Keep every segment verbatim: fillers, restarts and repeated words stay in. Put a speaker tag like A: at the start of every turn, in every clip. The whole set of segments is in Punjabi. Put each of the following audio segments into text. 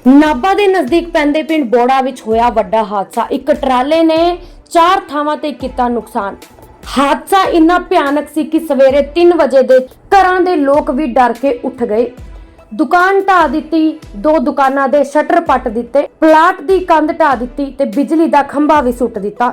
A: ਨਾਭਾ ਦੇ ਨਜ਼ਦੀਕ ਪੈਂਦੇ ਪਿੰਡ ਬੋੜਾ ਵਿੱਚ ਹੋਇਆ ਵੱਡਾ ਹਾਦਸਾ। ਇੱਕ ਟਰਾਲੇ ਨੇ ਚਾਰ ਥਾਵਾਂ ਤੇ ਕੀਤਾ ਨੁਕਸਾਨ। ਹਾਦਸਾ ਇੰਨਾ ਭਿਆਨਕ ਸੀ ਕਿ ਸਵੇਰੇ ਤਿੰਨ ਵਜੇ ਦੇ ਘਰਾਂ ਦੇ ਲੋਕ ਵੀ ਡਰ ਕੇ ਉੱਠ ਗਏ। ਦੁਕਾਨ ਢਾ ਦਿੱਤੀ, ਦੋ ਦੁਕਾਨਾਂ ਦੇ ਸ਼ਟਰ ਪੱਟ ਦਿੱਤੇ, ਪਲਾਟ ਦੀ ਕੰਧ ਢਾ ਦਿੱਤੀ ਤੇ ਬਿਜਲੀ ਦਾ ਖੰਭਾ ਵੀ ਸੁੱਟ ਦਿੱਤਾ।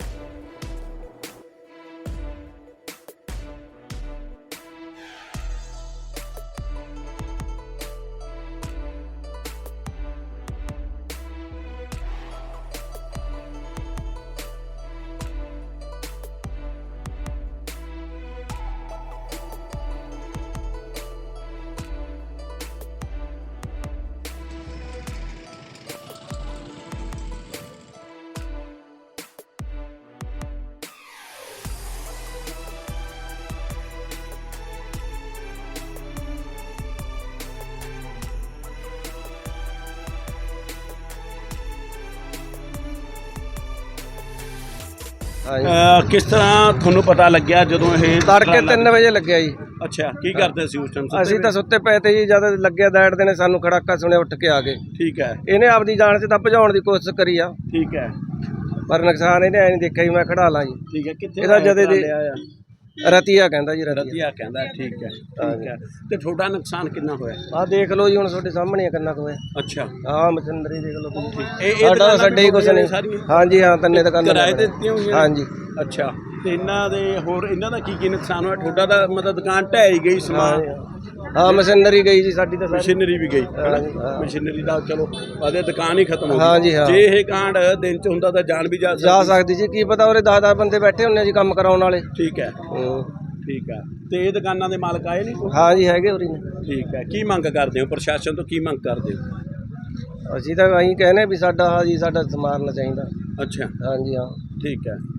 B: ਅਹ ਕਿਸ ਤਰ੍ਹਾਂ ਤੁਹਾਨੂੰ ਪਤਾ ਲੱਗਿਆ ਜਦੋਂ ਇਹ
C: ਤੜਕੇ ਤਿੰਨ ਵਜੇ ਲੱਗਿਆ ਜੀ।
B: ਅੱਛਾ, ਕੀ ਕਰਦੇ ਸੀ ਉਸ ਟਾਈਮ?
C: ਅਸੀਂ ਤਾਂ ਸੁੱਤੇ ਪਏ ਤੇ ਜੀ, ਜਦ ਲੱਗਿਆ ਦੈੜਦੇ ਨੇ ਸਾਨੂੰ ਖੜਾਕਾ ਸੁਣਿਆ, ਉੱਠ ਕੇ ਆ ਗਏ।
B: ਠੀਕ ਹੈ,
C: ਇਹਨੇ ਆਪਦੀ ਜਾਨ ਤੇ ਤਾਂ ਭਜਾਉਣ ਦੀ ਕੋਸ਼ਿਸ਼ ਕਰੀ ਆ,
B: ਠੀਕ ਹੈ,
C: ਪਰ ਨੁਕਸਾਨ ਇਹਨੇ ਐ ਨਹੀਂ ਦੇਖਿਆ ਜੀ ਮੈਂ ਖੜਾ ਲਾਂ ਜੀ।
B: ਠੀਕ ਹੈ। ਕਿੱਥੇ
C: ਇਹਦਾ ਜਦੇ ਦੀ
B: ਆਇਆ?
C: ਰਤੀਆ ਕਹਿੰਦਾ ਜੀ, ਰਤੀਆ।
B: ਰਤੀਆ ਕਹਿੰਦਾ, ਠੀਕ ਹੈ, ਠੀਕ ਹੈ। ਤੇ ਤੁਹਾਡਾ ਨੁਕਸਾਨ ਕਿੰਨਾ ਹੋਇਆ?
C: ਆਹ ਦੇਖ ਲਓ ਜੀ, ਹੁਣ ਤੁਹਾਡੇ ਸਾਹਮਣੇ ਆ ਕਿੰਨਾ ਕੁ ਹੋਇਆ।
B: ਅੱਛਾ,
C: ਆਹ ਮਸ਼ੀਨਰੀ ਦੇਖ ਲਓ ਤੁਸੀਂ।
B: ਇਹ
C: ਸਾਡਾ ਸਾਡੇ ਹੀ ਕੁਛ ਨਹੀਂ। ਹਾਂਜੀ ਹਾਂ, ਤੰਨੇ ਦੁਕਾਨਾਂ
B: ਕਿਰਾਏ ਤੇ ਦਿੱਤੀਆਂ ਹੋਈਆਂ?
C: ਹਾਂਜੀ।
B: ਅੱਛਾ, ਤੇ ਇਹਨਾਂ ਦੇ ਹੋਰ ਇਹਨਾਂ ਦਾ ਕੀ ਕੀ ਨੁਕਸਾਨ ਹੋਇਆ? ਤੁਹਾਡਾ ਦਾ ਮਤਲਬ ਦੁਕਾਨ ਢਹਿ ਗਈ, ਸਮਾਨ?
C: ਹਾਂ, ਮਸ਼ੀਨਰੀ ਗਈ ਜੀ ਸਾਡੀ ਤਾਂ।
B: ਮਸ਼ੀਨਰੀ ਵੀ ਗਈ,
C: ਹਾਂ।
B: ਮਸ਼ੀਨਰੀ ਦਾ ਚਲੋ ਆਦੇ ਦੁਕਾਨ ਹੀ ਖਤਮ ਹੋ ਗਈ।
C: ਹਾਂਜੀ ਹਾਂ।
B: ਜੇ ਇਹ ਕਾਂਡ ਦਿਨ ਚ ਹੁੰਦਾ ਤਾਂ ਜਾਨ ਵੀ ਜਾ
C: ਜਾ ਸਕਦੀ ਜੀ, ਕੀ ਪਤਾ ਉਹਦੇ ਦਸ ਦਸ ਬੰਦੇ ਬੈਠੇ ਹੁੰਦੇ ਜੀ ਕੰਮ ਕਰਾਉਣ ਵਾਲੇ।
B: ਠੀਕ ਹੈ, ਠੀਕ ਹੈ। ਤੇ ਇਹ ਦੁਕਾਨਾਂ ਦੇ ਮਾਲਕ ਆਏ ਨਹੀਂ?
C: ਹਾਂ ਜੀ, ਹੈਗੇ ਉਰੀ ਨੇ।
B: ਠੀਕ ਹੈ। ਕੀ ਮੰਗ ਕਰਦੇ ਹੋ ਪ੍ਰਸ਼ਾਸਨ ਤੋਂ, ਕੀ ਮੰਗ ਕਰਦੇ ਹੋ?
C: ਅਸੀਂ ਤਾਂ ਅਸੀਂ ਕਹਿੰਦੇ ਵੀ ਸਾਡਾ ਹਾਂ ਜੀ, ਸਾਡਾ ਸਮਾਰਨਾ ਚਾਹੀਦਾ।
B: ਅੱਛਾ,
C: ਹਾਂਜੀ ਹਾਂ,
B: ਠੀਕ ਹੈ।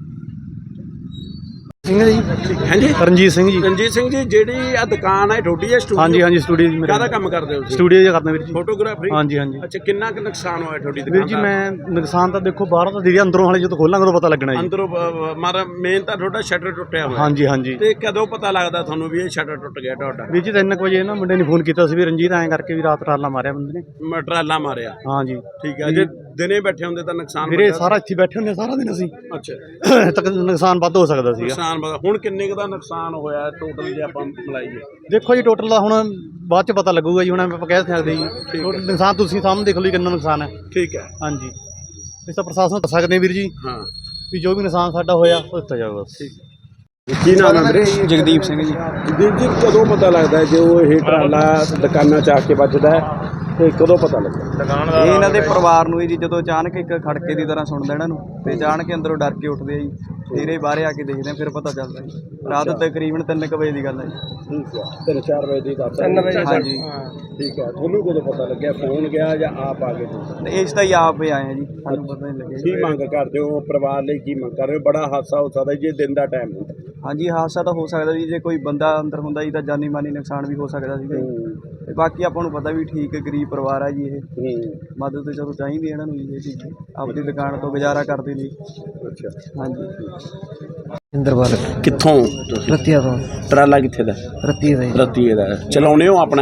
D: ਸਿੰਘ ਜੀ,
B: ਹਾਂਜੀ,
D: ਰਣਜੀਤ ਸਿੰਘ ਜੀ।
B: ਰਣਜੀਤ ਸਿੰਘ ਜੀ, ਜਿਹੜੀ ਆ ਦੁਕਾਨ ਹੈ ਤੁਹਾਡੀ ਹੈ ਸਟੂਡੀਓ?
D: ਹਾਂਜੀ ਹਾਂਜੀ, ਸਟੂਡੀਓ ਜੀ ਮੇਰਾ।
B: ਕਾਹਦਾ ਕੰਮ ਕਰਦੇ ਹੋ?
D: ਸਟੂਡੀਓ ਜੀ ਕਰਦਾ ਵੀਰ ਜੀ,
B: ਫੋਟੋਗ੍ਰਾਫਰੀ।
D: ਹਾਂਜੀ ਹਾਂਜੀ।
B: ਅੱਛਾ, ਕਿੰਨਾ ਕੁ ਨੁਕਸਾਨ ਹੋਇਆ ਤੁਹਾਡੀ ਦੁਕਾਨ
D: ਵੀਰ
B: ਦਾ?
D: ਜੀ ਮੈਂ ਨੁਕਸਾਨ ਤਾਂ ਦੇਖੋ ਬਾਹਰੋਂ ਤਾਂ ਦੀਦੀ, ਅੰਦਰੋਂ ਹਾਲੇ ਜਦੋਂ ਖੋਲਾਂਗੇ ਉਦੋਂ ਪਤਾ ਲੱਗਣਾ ਜੀ।
B: ਅੰਦਰੋਂ ਮਾਰਾ ਮੇਨ ਤਾਂ ਤੁਹਾਡਾ ਸ਼ਟਰ ਟੁੱਟਿਆ ਹੋਇਆ।
D: ਹਾਂਜੀ ਹਾਂਜੀ।
B: ਤੇ ਕਦੋਂ ਪਤਾ ਲੱਗਦਾ ਤੁਹਾਨੂੰ ਵੀ ਇਹ ਸ਼ਟਰ ਟੁੱਟ ਗਿਆ ਤੁਹਾਡਾ?
D: ਵੀਰ ਜੀ ਤਿੰਨ ਕੁ ਵਜੇ ਨਾ ਮੁੰਡੇ ਨੇ ਫੋਨ ਕੀਤਾ ਸੀ ਵੀ ਰਣਜੀਤ ਐਂ ਕਰਕੇ ਵੀ ਰਾਤ ਟਰਾਲਾ ਮਾਰਿਆ ਬੰਦੇ ਨੇ।
B: ਮਟਰਾਲਾ ਮਾਰਿਆ?
D: ਹਾਂਜੀ,
B: ਠੀਕ ਹੈ। ਜੇ ਦਿਨੇ ਬੈਠੇ ਹੁੰਦੇ ਤਾਂ ਨੁਕਸਾਨ
D: ਵੀਰੇ
B: ਵੱਡਾ-
D: ਸਾਰਾ ਇੱਥੇ ਬੈਠੇ ਹੁੰਦੇ ਸਾਰਾ ਦਿਨ ਅਸੀਂ।
B: ਅੱਛਾ,
D: ਤੱਕ ਨੁਕਸਾਨ ਵੱਧ ਹੋ ਸਕਦਾ ਸੀਗਾ।
B: ਨੁਕਸਾਨ ਵੱਡਾ। ਹੁਣ ਕਿੰਨੇ ਕੁ ਦਾ ਨੁਕਸਾਨ ਹੋਇਆ ਟੋਟਲ ਜੇ ਆਪਾਂ ਮਿਲਾਈਏ?
D: ਦੇਖੋ ਜੀ ਟੋਟਲ ਦਾ ਹੁਣ ਬਾਅਦ ਚ ਪਤਾ ਲੱਗੂਗਾ ਜੀ, ਹੁਣ ਆਪਾਂ ਕਹਿ ਸਕਦੇ ਜੀ। ਟੋਟਲ ਨੁਕਸਾਨ ਤੁਸੀਂ ਸਾਹਮਣੇ ਦੇਖ ਲਓ ਜੀ ਕਿੰਨਾ ਨੁਕਸਾਨ ਹੈ।
B: ਠੀਕ ਹੈ,
D: ਹਾਂਜੀ, ਇਸ ਤਾਂ ਪ੍ਰਸ਼ਾਸਨ ਨੂੰ ਦੱਸ ਸਕਦੇ ਹਾਂ ਵੀਰ ਜੀ
B: ਹਾਂ,
D: ਵੀ ਜੋ ਵੀ ਨੁਕਸਾਨ ਸਾਡਾ ਹੋਇਆ ਉਹ ਦਿੱਤਾ ਜਾਊਗਾ।
B: ਕੀ ਨਾਮ ਹੈ ਵੀਰੇ?
D: ਜਗਦੀਪ ਸਿੰਘ ਜੀ।
B: ਜਗਦੀਪ ਜੀ, ਕਦੋਂ ਪਤਾ ਲੱਗਦਾ ਜੋ ਇਹ ਟਰਾਲਾ ਦੁਕਾਨਾਂ ਚ ਆ ਕੇ ਵੱਜਦਾ ਹੈ ਤੇ ਕਦੋਂ ਪਤਾ ਲੱਗਦਾ?
E: ਇਹ ਇਹਨਾਂ ਦੇ ਪਰਿਵਾਰ ਨੂੰ ਹੀ ਜੀ, ਜਦੋਂ ਅਚਾਨਕ ਇੱਕ ਖੜਕੇ ਦੀ ਤਰ੍ਹਾਂ ਸੁਣਦਾ ਇਹਨਾਂ ਨੂੰ ਤੇ ਅਚਾਨਕ ਅੰਦਰੋਂ ਡਰ ਕੇ ਉੱਠਦੇ ਆ ਜੀ। ਫਿਰ ਇਹ ਬਾਹਰ ਆ ਕੇ ਦੇਖਦੇ ਆ, ਫਿਰ ਪਤਾ ਚੱਲਦਾ ਜੀ। ਰਾਤ ਤਕਰੀਬਨ ਤਿੰਨ ਕੁ ਵਜੇ ਦੀ ਗੱਲ ਹੈ ਜੀ।
B: ਠੀਕ ਹੈ, ਤਿੰਨ ਚਾਰ ਵਜੇ ਦੀ ਗੱਲ?
C: ਤਿੰਨ ਵਜੇ।
E: ਹਾਂਜੀ,
B: ਠੀਕ ਹੈ। ਤੁਹਾਨੂੰ ਕਦੋਂ ਪਤਾ ਲੱਗਿਆ? ਫੋਨ ਗਿਆ ਜਾਂ ਆਪ ਆ ਗਏ ਤੁਸੀਂ?
E: ਤੇ ਇਸ ਤਾਂ ਹੀ ਆਪ ਹੀ ਆਏ ਆ ਜੀ, ਸਾਨੂੰ ਪਤਾ ਨਹੀਂ ਲੱਗਿਆ
B: ਕੀ
E: ਜੀ।
B: ਮੰਗ ਕਰਦੇ ਹੋ ਪਰਿਵਾਰ ਲਈ? ਕੀ ਮੰਗ ਕਰ ਰਹੇ ਹੋ? ਬੜਾ ਹਾਦਸਾ ਹੋ ਸਕਦਾ ਜੇ ਦਿਨ ਦਾ ਟਾਈਮ ਹੁੰਦਾ।
E: ਹਾਂਜੀ, ਹਾਦਸਾ ਤਾਂ ਹੋ ਸਕਦਾ ਜੀ, ਜੇ ਕੋਈ ਬੰਦਾ ਅੰਦਰ ਹੁੰਦਾ ਜੀ ਤਾਂ ਜਾਨੀ ਮਾਨੀ ਨੁਕਸਾਨ ਵੀ ਹੋ ਸਕਦਾ ਸੀਗਾ ਜੀ। ਤੇ ਬਾਕੀ ਆਪਾਂ ਨੂੰ ਪਤਾ ਵੀ ਠੀਕ ਗਰੀਬ ਪਰਿਵਾਰ ਆ ਜੀ, ਇਹ ਮਦਦ ਤਾਂ ਚਲੋ ਚਾਹੀਦੀ ਇਹਨਾਂ ਨੂੰ ਜੀ। ਇਹ ਚੀਜ਼ ਆਪਣੀ ਦੁਕਾਨ ਤੋਂ ਗੁਜ਼ਾਰਾ ਕਰਦੇ ਨੇ।
B: ਅੱਛਾ,
E: ਹਾਂਜੀ।
C: ਇੰਦਰਵਾਲ
B: ਕਿੱਥੋਂ?
C: ਰਤੀਆ ਤੋਂ।
B: ਟਰਾਲਾ ਕਿੱਥੇ ਦਾ?
C: ਰਤੀਆ ਦਾ ਜੀ।
B: ਰਤੀਏ ਦਾ। ਚਲਾਉਣੇ ਹੋ ਆਪਣਾ?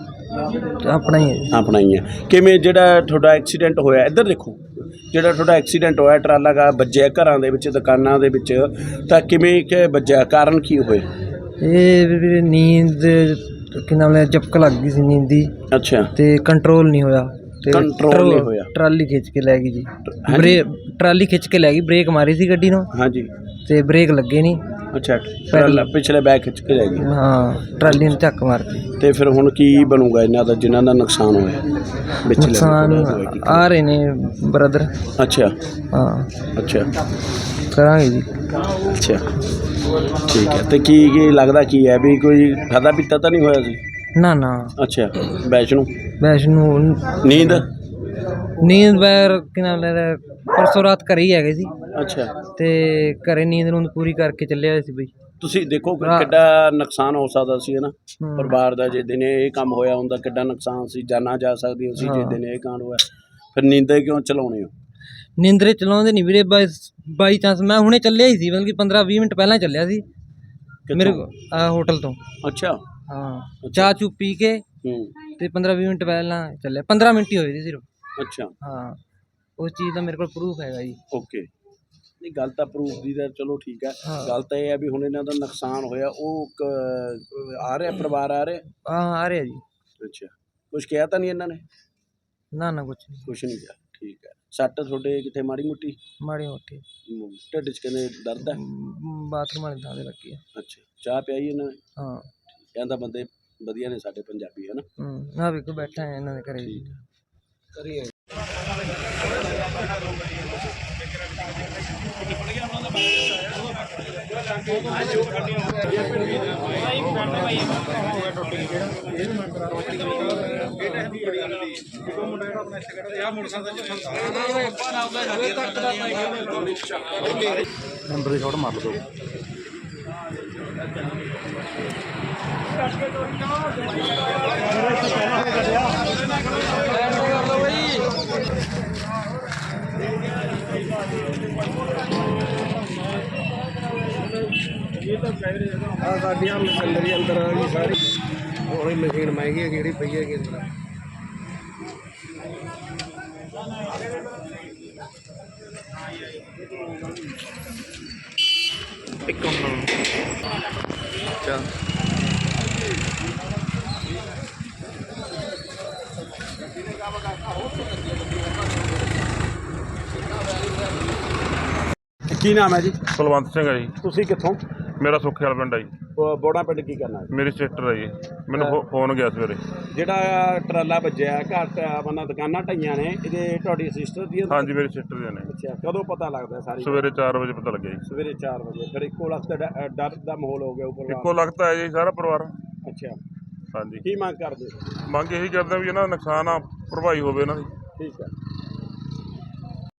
C: ਆਪਣਾ ਹੀ ਹੈ।
B: ਆਪਣਾ ਹੀ ਹੈ। ਕਿਵੇਂ ਜਿਹੜਾ ਤੁਹਾਡਾ ਐਕਸੀਡੈਂਟ ਹੋਇਆ, ਇੱਧਰ ਦੇਖੋ, ਜਿਹੜਾ ਤੁਹਾਡਾ ਐਕਸੀਡੈਂਟ ਹੋਇਆ ਟਰਾਲਾ ਦਾ ਵੱਜਿਆ ਘਰਾਂ ਦੇ ਵਿੱਚ, ਦੁਕਾਨਾਂ ਦੇ ਵਿੱਚ, ਤਾਂ ਕਿਵੇਂ ਕਿ ਵੱਜਿਆ? ਕਾਰਨ ਕੀ ਹੋਏ?
C: ਇਹ ਵੀ ਨੀਂਦ ਕਿ ਨਾਮ ਲੈ ਝਪਕ ਲੱਗ ਗਈ ਸੀ ਨੀਂਦ ਦੀ,
B: ਅੱਛਾ,
C: ਤੇ ਕੰਟਰੋਲ ਨਹੀਂ ਹੋਇਆ ਤੇ
B: ਕੰਟਰੋਲ
C: ਟਰੋ-
B: ਨਹੀਂ ਹੋਇਆ।
C: ਟਰਾਲੀ ਖਿੱਚ ਕੇ ਲੈ ਗਈ ਜੀ।
B: ਹਾਂਜੀ?
C: ਬ੍ਰੇਕ ਟਰਾਲੀ ਖਿੱਚ ਕੇ ਲੈ ਗਈ, ਬ੍ਰੇਕ ਮਾਰੀ ਸੀ ਗੱਡੀ ਨੂੰ
B: ਹਾਂਜੀ,
C: ਤੇ ਬ੍ਰੇਕ ਲੱਗੇ ਨਹੀਂ।
B: ਅੱਛਾ। ਟਰਾਲਾ ਪਿਛਲੇ ਬੈਕ ਖਿੱਚ ਕੇ ਲੈ ਗਈ।
C: ਹਾਂ, ਟਰਾਲੀ ਨੇ ਝੱਕ ਮਾਰਤੀ।
B: ਤੇ ਫਿਰ ਹੁਣ ਕੀ ਬਣੂਗਾ ਇਹਨਾਂ ਦਾ ਜਿਨ੍ਹਾਂ ਦਾ ਨੁਕਸਾਨ ਹੋਇਆ? ਵਿੱਚ
C: ਨੁਕਸਾਨ ਆ ਰਹੇ ਨੇ ਬ੍ਰਦਰ।
B: ਅੱਛਾ,
C: ਹਾਂ,
B: ਅੱਛਾ,
C: ਕਰਾਂਗੇ ਜੀ।
B: ਅੱਛਾ, ਠੀਕ ਹੈ। ਤੇ ਕੀ ਕੀ ਲੱਗਦਾ ਕੀ ਹੈ ਵੀ ਕੋਈ ਖਾਧਾ ਪੀਤਾ ਤਾਂ ਨਹੀਂ ਹੋਇਆ ਸੀ?
C: ਨਾ ਨਾ,
B: ਅੱਛਾ, ਵੈਸ਼ਨੂੰ
C: ਵੈਸ਼ਨੂੰ
B: ਨੀਂਦ?
C: ਨੀਂਦ ਬੈਰ ਕਿ ਨਾਮ ਲੈ ਪਰਸੋਂ ਰਾਤ ਘਰੇ ਹੀ ਹੈਗੇ ਸੀ,
B: ਅੱਛਾ।
C: ਤੇ ਘਰੇ ਨੀਂਦ ਨੂੰ ਪੂਰੀ ਕਰਕੇ ਚੱਲੇ ਹੋਏ ਸੀ ਬਈ।
B: ਤੁਸੀਂ ਦੇਖੋ ਕਿ
C: ਹਾਂ।
B: ਕਿੱਡਾ ਨੁਕਸਾਨ ਹੋ ਸਕਦਾ ਸੀ, ਹੈ ਨਾ?
C: ਹਮ।
B: ਪਰਿਵਾਰ ਦਾ ਜੇ ਦਿਨੇ ਇਹ ਕੰਮ ਹੋਇਆ ਹੁੰਦਾ ਕਿੱਡਾ ਨੁਕਸਾਨ ਸੀ, ਜਾਨਾਂ ਜਾ ਸਕਦੀਆਂ ਸੀ ਜੇ
C: ਹਾਂ।
B: ਦਿਨੇ ਇਹ ਕਾਂਡ ਹੋਇਆ। ਫਿਰ ਨੀਂਦੇ ਕਿਉਂ ਚਲਾਉਣੇ ਹੋ?
C: ਨੀਂਦਰੇ ਚਲਾਉਂਦੇ ਨਹੀਂ ਵੀਰੇ, ਬਾਈ ਬਾਈ ਚਾਂਸ ਮੈਂ ਹੁਣੇ ਚੱਲਿਆ ਹੀ ਸੀ, ਬਲਕਿ ਪੰਦਰਾਂ ਵੀਹ ਮਿੰਟ ਪਹਿਲਾਂ ਚੱਲਿਆ ਸੀ ਮੇਰੇ ਆਹ ਹੋਟਲ ਤੋਂ।
B: ਅੱਛਾ,
C: ਹਾਂ, ਚਾਹ ਚੂ ਪੀ ਕੇ
B: ਹੂੰ,
C: ਤੇ ਪੰਦਰਾਂ ਵੀਹ ਮਿੰਟ ਪਹਿਲਾਂ ਚੱਲਿਆ, ਪੰਦਰਾਂ ਮਿੰਟ ਹੀ ਹੋਏ ਸੀ ਸਿਰਫ।
B: ਅੱਛਾ
C: ਹਾਂ ਉਸ ਚੀਜ਼ ਦਾ ਮੇਰੇ ਕੋਲ ਪ੍ਰੂਫ ਹੈਗਾ ਜੀ।
B: ਓਕੇ ਨਹੀਂ ਗੱਲ ਤਾਂ ਪ੍ਰੂਫ ਦੀ ਤਾਂ ਚਲੋ ਠੀਕ ਹੈ।
C: ਹਾਂ।
B: ਗੱਲ ਤਾਂ ਇਹ ਹੈ ਵੀ ਹੁਣ ਇਹਨਾਂ ਦਾ ਨੁਕਸਾਨ ਹੋਇਆ ਉਹ ਕ- ਆ ਰਿਹਾ ਪਰਿਵਾਰ ਆ ਰਿਹਾ।
C: ਹਾਂ ਆ ਰਿਹਾ ਜੀ।
B: ਅੱਛਾ ਕੁਛ ਕਿਹਾ ਤਾਂ ਨਹੀਂ ਇਹਨਾਂ ਨੇ?
C: ਨਾ ਨਾ ਕੁਛ ਨਹੀਂ,
B: ਕੁਛ ਨਹੀਂ ਕਿਹਾ ਠੀਕ ਹੈ। ਸੱਟ ਤੁਹਾਡੇ ਕਿੱਥੇ ਮਾੜੀ ਮੋਟੀ
C: ਮਾੜੀ ਮੋਟੀ
B: ਮ, ਢਿੱਡ 'ਚ ਕਹਿੰਦੇ ਦਰਦ ਹੈ?
C: ਮ, ਬਾਥਰੂਮ ਵਾਲੇ ਥਾਂ ਤੇ ਲੱਗੀ ਆ।
B: ਅੱਛਾ ਚਾਹ ਪਿਆਈ ਇਹਨਾਂ ਨੇ?
C: ਹਾਂ
B: ਕਹਿੰਦਾ ਬੰਦੇ ਵਧੀਆ ਨੇ ਸਾਡੇ ਪੰਜਾਬੀ ਹੈ ਨਾ।
C: ਹੂੰ ਆ ਵੇਖੋ ਬੈਠਾ ਹੈ ਇਹਨਾਂ ਦੇ ਘਰੇ ਜੀ।
D: ਨੰਬਰ ਦੀ ਸ਼ਾਟ ਮਾਰ ਲਓ।
F: ਆ ਸਾਡੀਆਂ ਮਸ਼ੀਨਰੀ ਅੰਦਰ ਆ ਗਈ ਸਾਰੀ। ਉਹੀ ਮਸ਼ੀਨ ਮਹਿੰਗੀ ਹੈ ਜਿਹੜੀ ਪਈ ਹੈਗੀ ਅੰਦਰ। ਇੱਕ ਮਿੰਟ ਅੱਛਾ
B: ਕੀ ਨਾਮ ਹੈ ਜੀ?
G: ਕੁਲਵੰਤ ਸਿੰਘ ਹੈ ਜੀ।
B: ਤੁਸੀਂ ਕਿੱਥੋਂ?
G: ਮੇਰਾ ਸੁੱਖੇ ਵਾਲਾ ਪਿੰਡ ਹੈ ਜੀ।
B: ਬ- ਬੋੜਾ ਪਿੰਡ ਕੀ ਕਰਨਾ ਹੈ?
G: ਮੇਰੀ ਸਿਸਟਰ ਹੈ ਜੀ। ਮੈਨੂੰ ਫੋ- ਫੋਨ ਗਿਆ ਸਵੇਰੇ।
B: ਜਿਹੜਾ ਟਰਾਲਾ ਵੱਜਿਆ ਘਰ ਤੇ ਆਪਣਾ ਦੁਕਾਨਾਂ ਢਾਈਆਂ ਨੇ ਇਹਦੇ ਤੁਹਾਡੀ ਸਿਸਟਰ ਦੀ?
G: ਹਾਂਜੀ ਮੇਰੀ ਸਿਸਟਰ ਦੇ ਨੇ।
B: ਅੱਛਾ ਕਦੋਂ ਪਤਾ ਲੱਗਦਾ ਸਾਰੀ?
G: ਸਵੇਰੇ ਚਾਰ ਵਜੇ ਪਤਾ ਲੱਗਿਆ ਜੀ।
B: ਸਵੇਰੇ ਚਾਰ ਵਜੇ। ਫਿਰ ਇੱਕੋ ਲੱਖ ਦਾ ਡਰ ਦਾ ਮਾਹੌਲ ਹੋ ਗਿਆ ਉੱਪਰ?
G: ਇੱਕੋ ਲੱਗਦਾ ਹੈ ਜੀ ਸਾਰਾ ਪਰਿਵਾਰ।
B: ਅੱਛਾ
G: ਹਾਂਜੀ
B: ਕੀ ਮੰਗ ਕਰਦੇ?
G: ਮੰਗ ਇਹੀ ਕਰਦੇ ਵੀ ਇਹਨਾਂ ਦਾ ਨੁਕਸਾਨ ਆ ਭਰਪਾਈ ਹੋਵੇ ਇਹਨਾਂ ਦੀ।
B: ਠੀਕ ਹੈ।